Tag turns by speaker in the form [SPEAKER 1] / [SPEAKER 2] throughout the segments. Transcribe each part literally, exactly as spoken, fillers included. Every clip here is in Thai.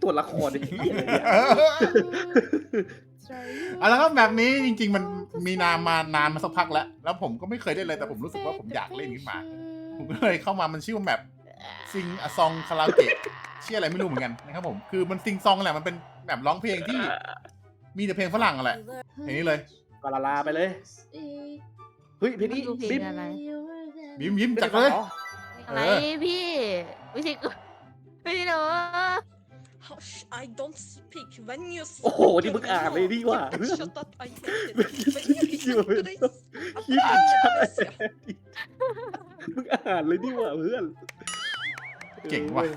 [SPEAKER 1] ตัวละครดิ
[SPEAKER 2] เอาแล้วก็แบบนี้จริงๆมันมีนานมานานมาสักพักแล้วแล้วผมก็ไม่เคยได้เลยแต่ผมรู้สึกว่าผมอยากเล่นขึ้นมาผมก็เลยเข้ามามันชื่อว่าแบบซิงอะซองคาราโอเกะชื่ออะไรไม่รู้เหมือนกันนะครับผมคือมันซิงซองแหละมันเป็นแบบร้องเพลงที่มีแต่เพลงฝรั่งแหละอย่างนี้เลย
[SPEAKER 1] กาลาลาไปเลยเฮ้ยเพลงนี้
[SPEAKER 3] ดูเพล
[SPEAKER 1] บิ๊
[SPEAKER 3] ง
[SPEAKER 1] ม
[SPEAKER 3] อะไร
[SPEAKER 2] ยิ้มยิ้มจัดเลย
[SPEAKER 3] อะไรพี่ไม่ใช่กูไม่ใช่หนู
[SPEAKER 4] I don't speak when you
[SPEAKER 1] โอ้โหนี่มึงอ่านเลยดีว่า
[SPEAKER 4] Shut up I hate it
[SPEAKER 1] อยู่เป็นคิดชัดมึงอ่านเลยดีว่าเพื่อน
[SPEAKER 2] เก่งว่ะ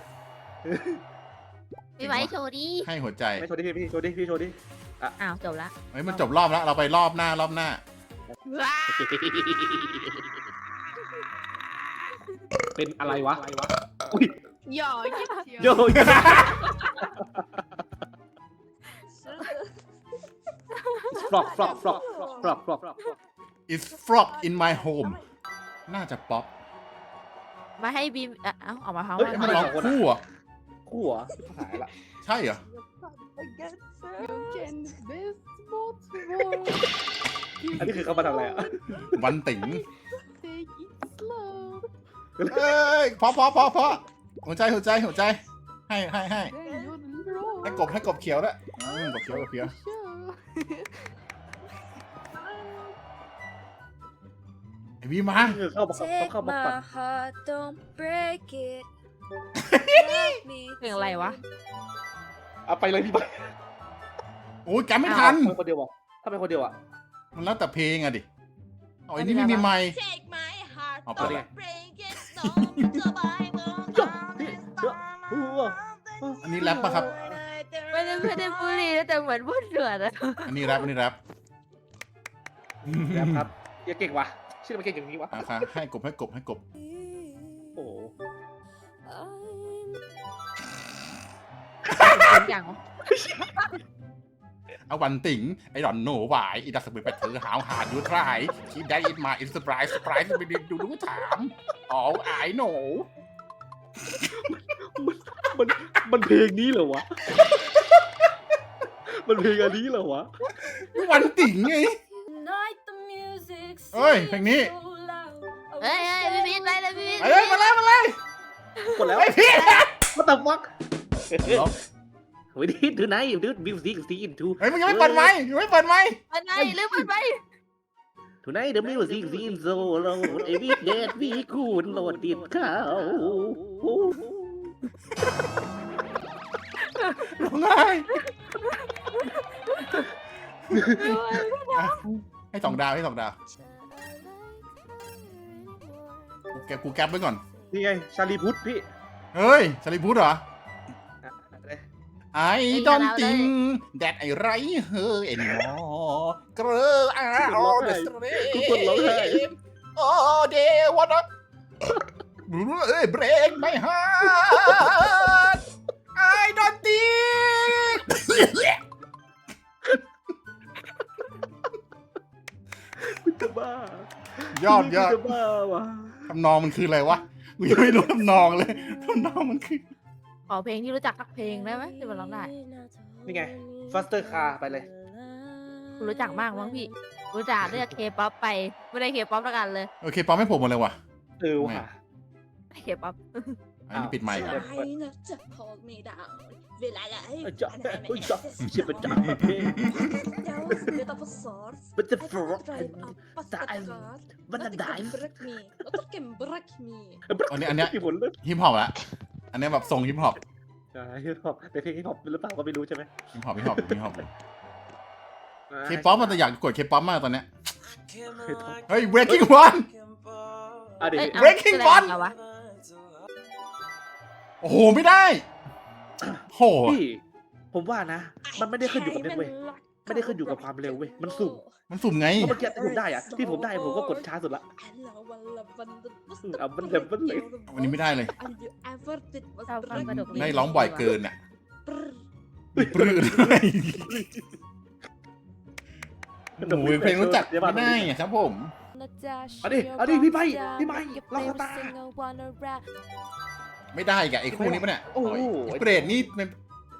[SPEAKER 3] พี่ไว้โชว์ดิ
[SPEAKER 2] ให้หัวใจ
[SPEAKER 1] ไม่โชว์ดิพี่โชว์ดิพี่โชว์ดิ
[SPEAKER 3] อ้าวจบละ
[SPEAKER 2] เฮ้ยมันจบรอบแล้วเราไปรอบหน้ารอบหน้า
[SPEAKER 3] ว้า
[SPEAKER 1] เป็นอะไรวะอุ้ย
[SPEAKER 4] Ja,
[SPEAKER 1] โยโย่ฟลอกฟลอกฟลอกฟลอกฟลอกฟลอก
[SPEAKER 2] It's frog in my home น่าจะป๊อป
[SPEAKER 3] มาให้บีมเอ้าออกมาเขา
[SPEAKER 2] เฮ้ยมันร้องคู่อ่ะ
[SPEAKER 1] คู่เหรอหายละ
[SPEAKER 2] ใช่เหรอ
[SPEAKER 4] you can best what
[SPEAKER 1] อันนี้คือเขามาทำอะไรอ่ะ
[SPEAKER 2] วันติ๋ง
[SPEAKER 4] take it slow
[SPEAKER 2] เอ้ยพอพอพอพอหัวใจหัวใจหัวใจให้ให้ให้
[SPEAKER 4] then you roll
[SPEAKER 2] ให้กบให้กบเขียวด้วยอืมกบเขียวกบเขียว ไอวีมา
[SPEAKER 1] คือเข้ามาเข้ามาปัด
[SPEAKER 5] heart, don't break it.
[SPEAKER 3] เพลงอะไรวะ
[SPEAKER 1] เอาไปเลยพี่ไป
[SPEAKER 2] โอ้ยจำไม่ทัน
[SPEAKER 1] เป็นคนเดียวอ่ะถ้าเป็นคนเดียวอ่ะ
[SPEAKER 2] มันแล้วแต่เพลงอะดิเอาไอ้นี่ไม่มีไมค์
[SPEAKER 4] take my heart
[SPEAKER 2] เอาไปเลย
[SPEAKER 4] don't break it don't survival
[SPEAKER 2] อันนี้แรปปะครับ
[SPEAKER 3] ไม่ได้ไม่ได้บุรีนะแต่เหมือนพูดเดือดอะ
[SPEAKER 2] อันนี้แรปอันนี้แรป
[SPEAKER 1] ครับครับอย่าเก่งว่ะชื่อมันเก่งอย่างนี้วะ
[SPEAKER 2] อ่ะค่ะให้กบให้กบให้กบ
[SPEAKER 1] โอ้โห
[SPEAKER 3] อย่าง
[SPEAKER 2] เอาวันติ๋งไอ้ดอนโหนหวายอีดัสบิดไปเธอหาวหาดูทรายคิดได้อินมาอินสปรายสปรายไปดูดูถามอ๋อไอ้โหน
[SPEAKER 1] มันมันเพลงนี้เหรอวะมันเพลงอันนี้เหรอวะ
[SPEAKER 2] วันติ๋งไง เฮ้ยเพลงนี้
[SPEAKER 3] เฮ้ยเฮ้ยพี่พีทไปเลยพี่พีท
[SPEAKER 2] เอ้ยมาเลยมาเลย
[SPEAKER 1] กดแล้ว
[SPEAKER 2] ไอ้พี่
[SPEAKER 1] What the fuck เฮ้ยดิดูไหนดูมิวสิกซีนทู
[SPEAKER 2] เฮ้ยมึงยังไม่เปิดไมค์ยังไม่เปิดไมค์
[SPEAKER 3] ไปไหนเรื่องมันไป
[SPEAKER 1] Tonight the music seems so loud. Every day we could load it cow.
[SPEAKER 2] ร้องไห้ให้สองดาวให้สองดาวกูแกกูแก๊ปไว้ก่อน
[SPEAKER 1] นี่ไงชาลีพุทธพี่
[SPEAKER 2] เฮ้ยชาลีพุทธเหรอ ไอ้ดอนติงแดดไอ้ไรเฮอเอ็นมอเกรออาโอเดสเตรโอเดวันอะเอ้ยเบรกไม่ฮาร์ดไอ้ดอนติง
[SPEAKER 1] คุณจะบ้าย
[SPEAKER 2] อดยอด
[SPEAKER 1] จะบ้าวะ
[SPEAKER 2] ทำนองมันคืออะไรวะกูยังไม่รู้ทำนองเลยทำนองมันคือ
[SPEAKER 3] ขอเพลงที่รู้จักสักเพลงได้ไหมที่มันร้องได้
[SPEAKER 1] นี่ไง Faster Car ไปเลย
[SPEAKER 3] คุณรู้จักมากมั้งพี่รู้จักเลือกเคป๊อปไปไม่ได้เคป๊อปแล้วกันเลย
[SPEAKER 2] โอเคปอมไม่ผมหมดเลยว่ะ
[SPEAKER 1] เออว่ะ
[SPEAKER 3] เคป๊อป
[SPEAKER 2] อันนี้ปิดไมค์ก่อน
[SPEAKER 4] Try not to hold me down เวลาไหน
[SPEAKER 1] เอ้ยจ๊ะเอ้ยจ๊ะเชี่ยเป็นจ๊ะเพลง
[SPEAKER 4] Bit of a source
[SPEAKER 1] But the
[SPEAKER 4] I
[SPEAKER 1] frog
[SPEAKER 4] can drive up past the
[SPEAKER 1] dive
[SPEAKER 4] car
[SPEAKER 1] But the
[SPEAKER 4] Nothing can
[SPEAKER 1] dive
[SPEAKER 4] break me Nothing can break me
[SPEAKER 2] อันนี้อันเนี้ย
[SPEAKER 1] ที่ผลเลย
[SPEAKER 2] ฮิปฮอปละอันเนี้ยแบบทรงฮิปฮอป
[SPEAKER 1] ใช่ฮิปฮอปแต่เพลงฮิปฮอปหรือเปล่าก็ไม่รู้ใช่ไหม
[SPEAKER 2] ฮิปฮอปฮิปฮอปฮิปฮอปเคป๊อปมันจะอยากกดเคป๊อปมากตอนเนี้ยเฮ้ย breaking one
[SPEAKER 1] อ่ะเดี๋ยว
[SPEAKER 3] เอ้ยเอา
[SPEAKER 2] Breaking
[SPEAKER 3] แสดง
[SPEAKER 2] Bond
[SPEAKER 3] เหรอวะ
[SPEAKER 2] โอ้โหไม่ได้โห
[SPEAKER 1] พี่ผมว่านะ มันไม่ได้ขึ้นอยู่กับเน็ตเว้ยไม่ได้ขึ้นอยู่กับความเร็วเว้ยมันสุ่ม
[SPEAKER 2] มันสุ่มไง
[SPEAKER 1] เพราะเมื่อกี้ที่ผมได้อะที่ผมได้ผมก็กดช้าสุดละเอามันเด็บมันเลย
[SPEAKER 2] วันนี้ไม่ได้เลย
[SPEAKER 3] ชอบฟังกระดก
[SPEAKER 2] ได้ร้องบ่อยเกินอ่ะปลื้ดด้วยโอ้ยเพลงรู้จักไม่ได้อะครับผม
[SPEAKER 1] เอาดิเอาดิพี่ไปพี่ไปล็อกตา
[SPEAKER 2] ไม่ได้อีกอะไอ้คู่นี้ปะเนี่ย
[SPEAKER 1] โอ้โห
[SPEAKER 2] ไอ้เปรตนี่มัน